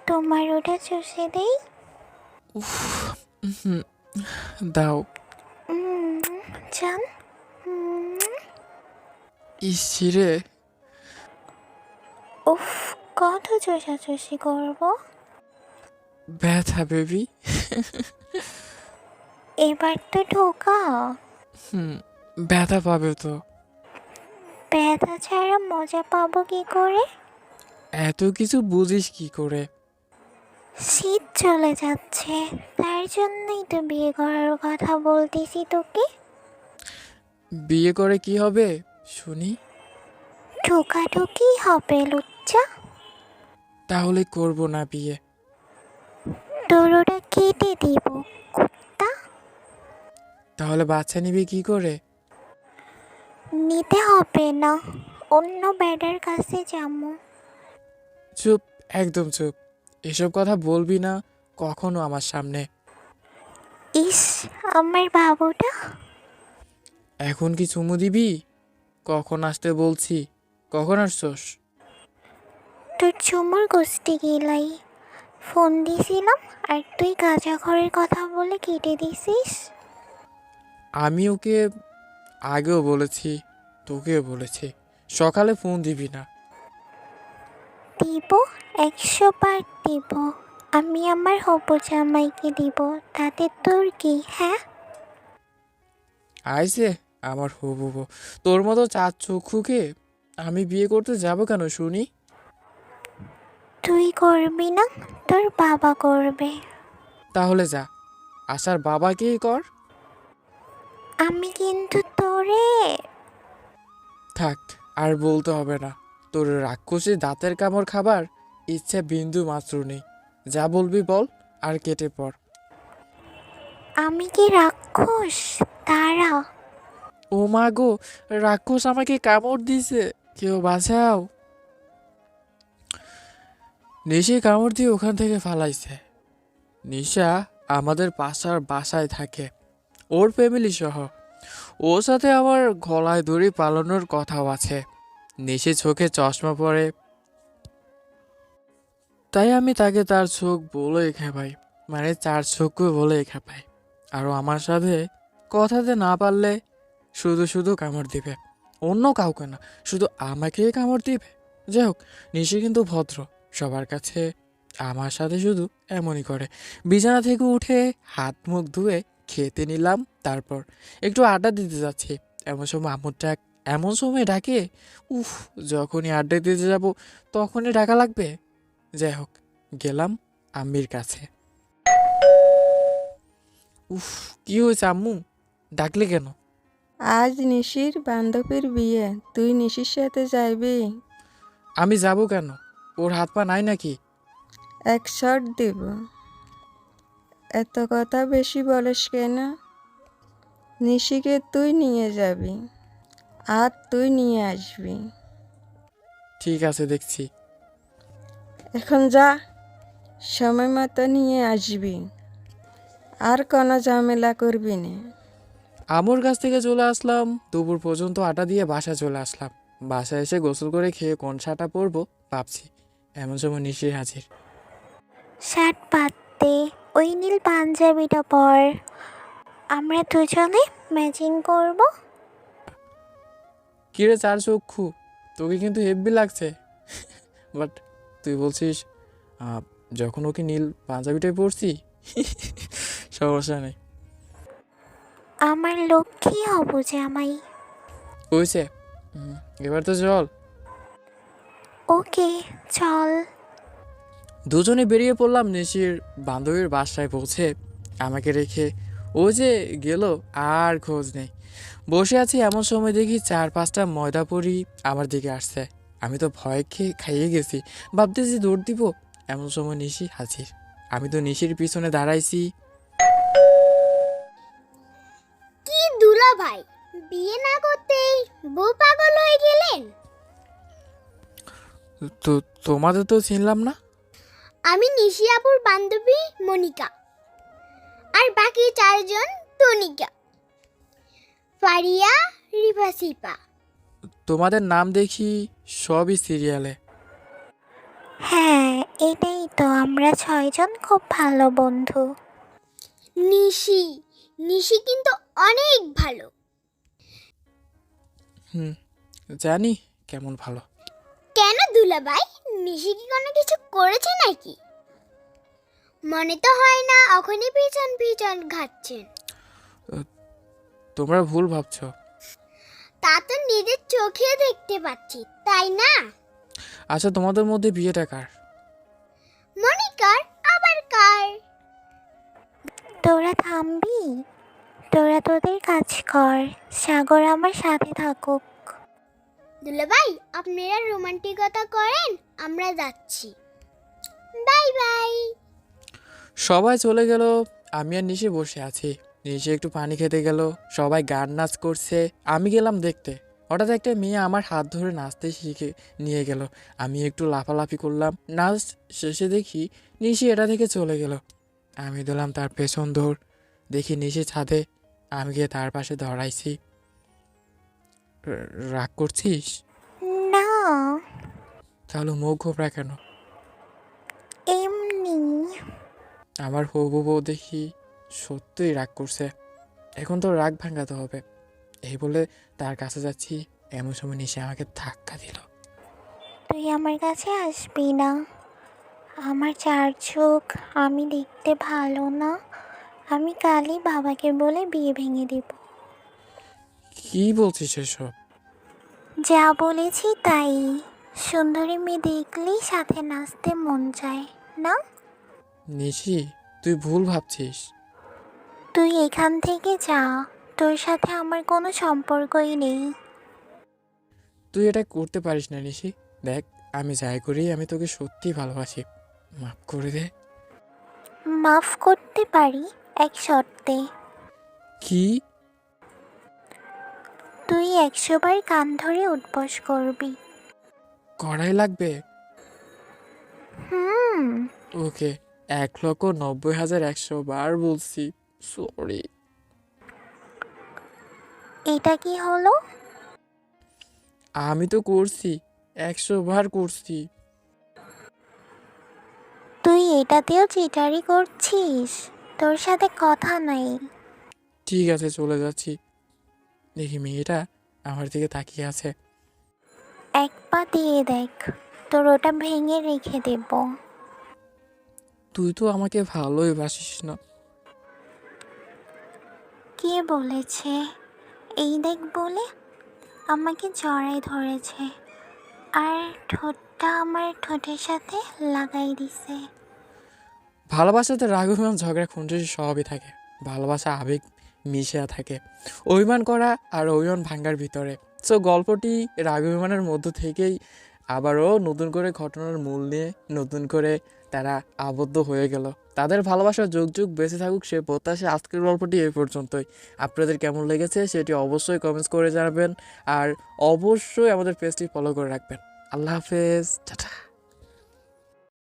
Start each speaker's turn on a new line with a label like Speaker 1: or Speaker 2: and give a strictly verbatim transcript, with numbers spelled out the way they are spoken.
Speaker 1: তোমার ওটা চষে দেই?
Speaker 2: উফ, হুম, দাও।
Speaker 1: উম, জান। উম,
Speaker 2: ইসিরে।
Speaker 1: উফ, কত চষাচষি করবো?
Speaker 2: ব্যথা বেবি।
Speaker 1: এবার তো ঢোকা।
Speaker 2: হুম, ব্যথা পাবে তো।
Speaker 1: ব্যথা ছাড়া মজা পাবো কি করে?
Speaker 2: এত কিছু বুঝিস কি করে?
Speaker 1: শীত চলে যাচ্ছে, তার জন্যই তো বিয়ে করার কথা বলতেছি তোকে।
Speaker 2: বিয়ে করে কি হবে শুনি?
Speaker 1: ঢোকাঢুকি হবে লুচ্চা।
Speaker 2: তাহলে করব না বিয়ে।
Speaker 1: তোর ওটা কেটে দিব কুত্তা।
Speaker 2: তাহলে বাচ্চা নিবি কি করে?
Speaker 1: নিতে হবে না, অন্য বেডার কাছে যাবো।
Speaker 2: চুপ, একদম চুপ। এসব কথা বলবি না কখনো আমার সামনে।
Speaker 1: ইস, আমার বাবুটা।
Speaker 2: এখন কি চুমু দিবি? কখন আসতে বলছি? কখন আসছস?
Speaker 1: তোর চুমুর গোষ্ঠী গিলাই। ফোন দিছিলাম আর তুই কাঁচা ঘরের কথা বলে কেটে দিছিস।
Speaker 2: আমি ওকে আগেও বলেছি, তোকেও বলেছি, সকালে ফোন দিবি না।
Speaker 1: দিব, একশো বার দিব। আমি আমার হবু জামাইকে দিব, তাতে তোর কি? হ্যাঁ,
Speaker 2: আইসে আমার হবু বউ। তোর মতো চার চক্ষুকে আমি বিয়ে করতে যাব কেন শুনি?
Speaker 1: তুই করবি না, তোর বাবা করবে।
Speaker 2: তাহলে যা, আসার বাবাকেই কর।
Speaker 1: আমি কিন্তু তোরে।
Speaker 2: থাক, আর বলতে হবে না। তোর রাক্ষসী দাঁতের কামড় খাবার ইচ্ছে বিন্দু মাত্র নেই। যা বলবি বল, আর কেটে পড়।
Speaker 1: আমি কি রাক্ষস? তারা।
Speaker 2: ও মা গো, রাক্ষস আমাকে কামড় দিছে, কেউ বাঁচাও। নিশি কামড় দিয়ে ওখান থেকে ফালাইছে। নিশা আমাদের পাশার বাসায় থাকে, ওর ফ্যামিলি সহ। ওর সাথে আমার গলায় দড়ি পালানোর কথাও আছে। নিশি চোখে চশমা পরে, তাই আমি তাকে তার চোখ বলে খেপাই, মানে চার চোখ বলে খেপাই। আর ও আমার সাথে কথাতে না পারলে শুধু শুধু কামড় দিবে, অন্য কাউকে না, শুধু আমাকেই কামড় দিবে। যাই হোক, নিশি কিন্তু ভদ্র সবার কাছে, আমার সাথে শুধু এমনই করে। বিছানা থেকে উঠে হাত মুখ ধুয়ে খেতে নিলাম, তারপর একটু আড্ডা দিতে যাচ্ছি। এমন সময় আম্মুর ডাক, এমন সময় ডাকে। উফ, যখনই আড্ডা দিতে যাব তখনই ডাকা লাগবে। যাই হোক, গেলাম আম্মির কাছে। উফ, কি হয়েছে আম্মু, ডাকলে কেন?
Speaker 3: আজ নিশির বান্ধবীর বিয়ে, তুই নিশির সাথে যাইবি?
Speaker 2: আমি যাব কেন? ওর হাত পা নাই নাকি?
Speaker 3: এক শট দিব। এত কথা বেশি বলিস কেন? নিশিকে তুই নিয়ে যাবি আর তুই নিয়ে আসবি।
Speaker 2: ঠিক আছে, দেখছি।
Speaker 3: এখন যা, সময় মতো নিয়ে আসবি, আর কোনো ঝামেলা করবি না।
Speaker 2: আমুর কাছ থেকে চলে আসলাম, দুপুর পর্যন্ত আটা দিয়ে বাসা চলে আসলাম। বাসায় এসে গোসল করে খেয়ে কোন শাটা পরবো ভাবছি, এমন সময় নিশি হাজির।
Speaker 1: শার্ট বাদ দে, ওই নীল পাঞ্জাবিটা পর। আমরা দুজনে ম্যাচিং করব।
Speaker 2: কিরে চার চক্ষু, তোকে কিন্তু হেব্বি লাগছে। বাট তুই বলছিস আহ, যখন ওকে নীল পাঞ্জাবিটাই পরছি। সমস্যা নেই।
Speaker 1: আমার লক্ষ্মী হবু জামাই।
Speaker 2: হয়েছে, হুম, এবার তো চল।
Speaker 1: ওকে, চল।
Speaker 2: দুজনে বেরিয়ে পড়লাম নিশির বান্ধবীর বাসায় পৌঁছে। আমাকে রেখে ও যে গেল, আর খোঁজ নেই। বসে আছি, এমন সময় দেখি চার পাঁচটা ময়দা পরি আমার দিকে আসছে। আমি তো ভয় খেয়ে খাইয়ে গেছি, ভাবতেছি দৌড় দিব। এমন সময় নিশি হাজির। আমি তো নিশির পিছনে দাঁড়াইছি।
Speaker 4: কি দুলা ভাই, বিয়ে না করতেই বউ পাগল হয়ে গেলেন?
Speaker 2: তো তোমাদের তো চিনলাম না।
Speaker 4: আমি নিশি আপুর বান্ধবী মনিকা, আর বাকি চারজন তনিকা, ফারিয়া, রিফা, সিপা।
Speaker 2: তোমাদের নাম দেখি সবই সিরিয়ালে।
Speaker 1: হ্যাঁ, এটাই তো, আমরা ছয়জন খুব ভালো বন্ধু।
Speaker 4: নিশি নিশি কিন্তু অনেক ভালো।
Speaker 2: হুম, জানি কেমন ভালো।
Speaker 4: কেন দুলাভাই, নিশি কি কোনো কিছু করেছে নাকি? মনে তো হয় না ওখানে পিছন পিছন ঘাটছেন।
Speaker 2: তোমরা ভুল ভাবছো।
Speaker 4: তা তো নিজের চোখে দেখতে পাচ্ছি, তাই না?
Speaker 2: আচ্ছা, তোমাদের মধ্যে বিয়েটা কার?
Speaker 4: মনিকার আবার কার?
Speaker 1: তোরা থামবি? তোরা তোদের কাজ কর, সাগর আমার সাথে থাকুক।
Speaker 4: দুলাভাই, আপনারা রোমান্টিকতা করেন, আমরা যাচ্ছি। Bye bye.
Speaker 2: সবাই চলে গেল, আমি আর নিশি বসে আছি। নিশি একটু পানি খেতে গেল, সবাই গান নাচ করছে, আমি গেলাম দেখতে। হঠাৎ একটা মেয়ে আমার হাত ধরে নাচতে শিখে নিয়ে গেল। আমি একটু লাফালাফি করলাম, নাচ শেষে দেখি নিশি এটা থেকে চলে গেল। আমি দিলাম তার পেছন দৌড়, দেখি নিশি ছাদে, আমি গিয়ে তার পাশে দাঁড়াইছি। র- রাগ করছিস?
Speaker 1: না,
Speaker 2: তাহলে মুখ ঘোবরা কেন?
Speaker 1: এমনি।
Speaker 2: আমার হবু বউ দেখি সত্যিই রাগ করছে। এখন তো রাগ ভাঙাতে হবে। এই বলে তার কাছে যাচ্ছি, এমন সময় নিশে আমাকে ধাক্কা দিল।
Speaker 1: তুই আমার কাছে আসবি না? আমার চার চোখ, আমি দেখতে ভালো না। আমি কালই বাবাকে বলে বিয়ে ভেঙে দেব।
Speaker 2: কি বলছিস এসব?
Speaker 1: যা বলেছি তাই। সুন্দরী মেয়ে দেখলেই সাথে নাচতে মন চায় না?
Speaker 2: নিশি, তুই ভুল ভাবছিস।
Speaker 1: তুই এখান থেকে যা, তোর সাথে আমার কোনো সম্পর্কই নেই।
Speaker 2: তুই এটা করতে পারিস না নিশি। দেখ, আমি যাই করি, আমি তোকে সত্যি ভালোবাসি। মাফ করে দে।
Speaker 1: মাফ করতে পারি এক শর্তে।
Speaker 2: কি?
Speaker 1: তুই একশো বার কান ধরে উঠবস করবি।
Speaker 2: কড়াই লাগবে?
Speaker 1: হুম।
Speaker 2: ওকে, এক লক্ষ নব্বই হাজার একশো বার বলছি। সরি।
Speaker 1: এটা কি হলো?
Speaker 2: আমি তো করছি, একশো বার করছি।
Speaker 1: তুই এটাতেও চিটারি করছিস? তোর সাথে কথা নাই।
Speaker 2: ঠিক আছে, চলে যাচ্ছি। দেখি মেয়েটা আমার দিকে তাকিয়ে আছে।
Speaker 1: এক পা দিয়ে দেখ, তোর ওটা ভেঙে রেখে দেব।
Speaker 2: তুই তো আমাকে ভালোই বাসিস না।
Speaker 1: কে বলেছে? এই দেখ বলে আমাকে জড়াই ধরেছে, আর ঠোঁটটা আমার ঠোঁটের সাথে লাগাই দিছে।
Speaker 2: ভালোবাসাতে রাগ অভিমান ঝগড়া খুনসুটি সবই থাকে। ভালোবাসা আবেগ মিশে থাকে, অভিমান করা আর অভিমান ভাঙ্গার ভিতরে। সো গল্পটি রাগ অভিমানের মধ্য থেকেই আবারও নতুন করে ঘটনার মূল নিয়ে নতুন করে তারা আবদ্ধ হয়ে গেল। তাদের ভালোবাসা যুগ যুগ বেঁচে থাকুক সে প্রত্যাশা। আজকের গল্পটি এই পর্যন্তই। আপনাদের কেমন লেগেছে সেটি অবশ্যই কমেন্টস করে জানাবেন, আর অবশ্যই আমাদের পেজটি ফলো করে রাখবেন। আল্লাহ হাফেজ, টাটা।